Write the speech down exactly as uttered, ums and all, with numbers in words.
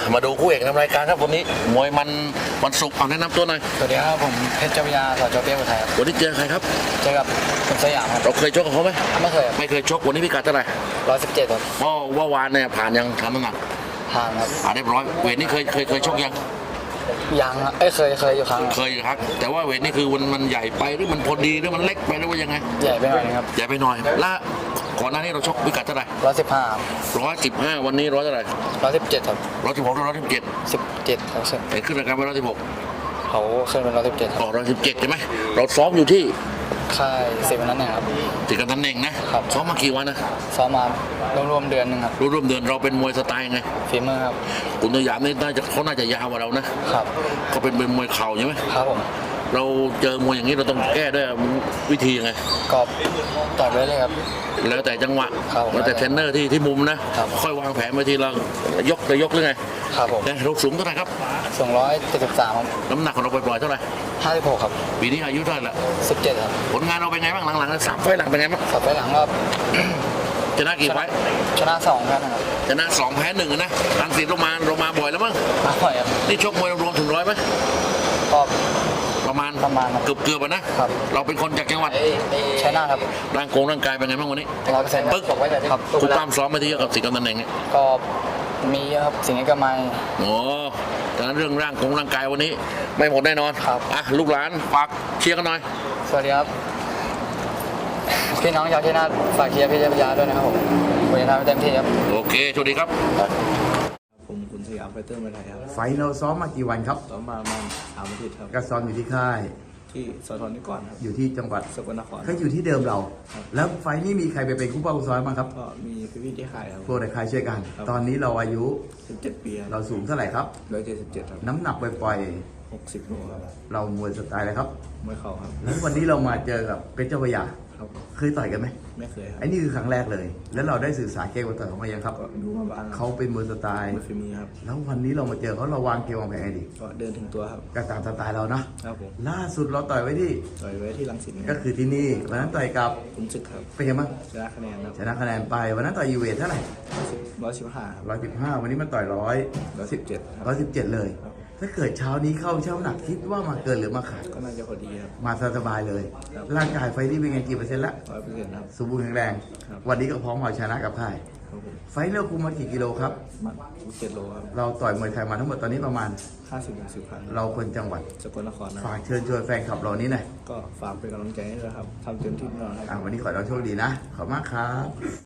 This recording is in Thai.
มาดูคู่เอกนำรายการครับวันนี้มวยมันวันศุกร์เอาแนะนำตัวหน่อยสวัสดีครับผมเพชรเจ้าพระยาสจเปี๊ยกอุทัยครับวันนี้เจอใครครับเจอกับคุณสยามครับเราเคยชกกับเขาไหมไม่เคยไม่เคยชกวันนี้พิกัดเท่าไหร่ร้อยสิบเจ็ดครับเพราะว่าวานเนี่ยผ่านยังทำน้ำหนักผ่านครับผ่านเรียบร้อยเวทนี่เคยเคยเคยชกยังยังเอ้ยเคยเคยอยู่ครั้งเคยครับแต่ว่าเวทนี่คือมันมันใหญ่ไปหรือมันพอดีหรือมันเล็กไปหรือว่ายังไงใหญ่ไปหน่อยครับใหญ่ไปหน่อยละก่อนหน้านี้เราชกพิกัดเท่าไหร่ร้อยสิบห้าร้อยสิบห้าวันนี้ร้อยเท่าไหร่ร้อยสิบเจ็ดครับร้อยสิบหกร้อยสิบเจ็ดสิบเจ็ดครับเห็นขึ้นรายการไปร้อยสิบหกเขาขึ้นเป็นร้อยสิบเจ็ดอ๋อร้อยสิบเจ็ดใช่ไหมเราซ้อมอยู่ที่ค่ายเซเว่นนั่นเองครับติดกันนั่นเองนะครับซ้อมมากี่วันนะซ้อมมารวมๆเดือนหนึ่งครับรวมๆเดือนเราเป็นมวยสไตล์ไงฝีมือครับคุณสยามนี่น่าจะเขาน่าจะยาวกว่าเรานะครับเขาเป็นเป็นมวยเข่าใช่ไหมครับผมเราเจอมวยอย่างนี้เราต้องแก้ด้วยวิธียังไงก็ต่อยไปเลยครับแล้วแต่จังหวะแล้วแต่เทรนเนอร์ที่ที่มุมนะค่อยวางแผนไปทีเรายกจะยกหรือไงครับผมเราสูงเท่าไหร่ครับสองร้อยเจ็ดสิบสามครับน้ำหนักของเราปล่อยๆเท่าไหร่ห้าสิบหกครับปีนี้อายุเท่าไหร่ละสิบเจ็ดครับผลงานเราเป็นไงบ้างหลังๆสามไฟหลังเป็นไงบ้างสามไฟหลังก็ชนะกี่ไฟชนะสองแพ้หนึ่งครับชนะสองแพ้หนึ่งนะรังสิตเรามาเรามาบ่อยแล้วมั้งมาบ่อยครับนี่ชกมวยรวมถึงร้อยไหมก็ประมาณประมาณเกือบเกือบนะครับเราเป็นคนจากจังหวัดชัยนาทครับร่างกงร่างกายเป็นไงบ้างวันนี้ร้อยเปอร์เซ็นต์ปึ๊กครับคุณตามซ้อมมาที่กับสิงห์กำนันเองเนี่ยก็มีครับสิ่งนี้ก็ไม่โอ้ดังนั้นเรื่องร่างกงร่างกายวันนี้ไม่หมดแน่นอนครับอ่ะลูกหลานฝากเชียร์กันหน่อยสวัสดีครับพี่น้องชาวชัยนาทฝากเชียร์พี่เจ้าพระยาด้วยนะครับผมผมจะทำให้เต็มที่ครับโอเคสวัสดีครับผมคุณสยามไฟเตอร์มาไทยครับไฟเราซ้อมมากี่วันครับซ้อมมาประมาณสามอาทิตย์ครับก็ซ้อมอยู่ที่ค่ายที่สทนิกรครับอยู่ที่จังหวัดสกลนครก็อยู่ที่เดิมเราแล้วไฟนี้มีใครไปเป็นคู่เป้าคู่ซ้อมบ้างครับก็มีพี่ๆที่ค่ายครับพวกในค่ายช่วยกันตอนนี้เราอายุสิบเจ็ดปีเราสูงเท่าไหร่ครับร้อยเจ็ดสิบเจ็ดครับน้ำหนักปล่อยหกสิบโลครับเรามวยสไตล์อะไรครับมวยเข่าครับแล้ววันนี้เรามาเจอกับเพชรเจ้าพระยาครับเคยต่อยกันไหมไม่เคยครับไอ้นี่คือครั้งแรกเลยแล้วเราได้สื่อสารเกมกับต่อยเขามายังครับดูมาบ้างเขาเป็นมวยสไตล์มวยฝีมือครับแล้ววันนี้เรามาเจอเขาเราวางเกมวางแผนไงดีก็เดินถึงตัวครับก็ตามสไตล์เรานะครับผมล่าสุดเราต่อยไว้ที่ต่อยไว้ที่รังสิตก็คือที่นี่วันนั้นต่อยกับขุนศึกครับเป็นยังไงบ้างชนะคะแนนครับชนะคะแนนไปวันนั้นต่อยยูเวทเท่าไหร่ร้อยสิบห้าร้อยสิบห้าวันนี้มันต่อยร้อยร้อยสิบเจ็ดร้อยสิบเจ็ดเลยถ้าเกิดเช้านี้เข้าเช้าหนักคิดว่ามาเกินหรือมาขาดก็น่าจะพอดีครับมาสบายเลยร่างกายไฟที่เป็นไงกี่เปอร์เซ็นต์ละร้อยเปอร์เซ็นต์ครับสมบูรณ์แข็งแรงวันนี้ก็พร้อมเอาชนะกับค่ายไฟเราคุมมากี่กิโลครับมาเจ็ดโลครับเราต่อยมวยไทยมาทั้งหมดตอนนี้ประมาณห้าสิบถึงสิบพันเราคนจังหวัดสกลนครฝากเชิญชวนแฟนคลับเรานี้หน่อยก็ฝากเป็นกำลังใจให้ด้วยครับทำเต็มที่แน่นอนครับวันนี้ขอเราโชคดีนะขอบมากครับ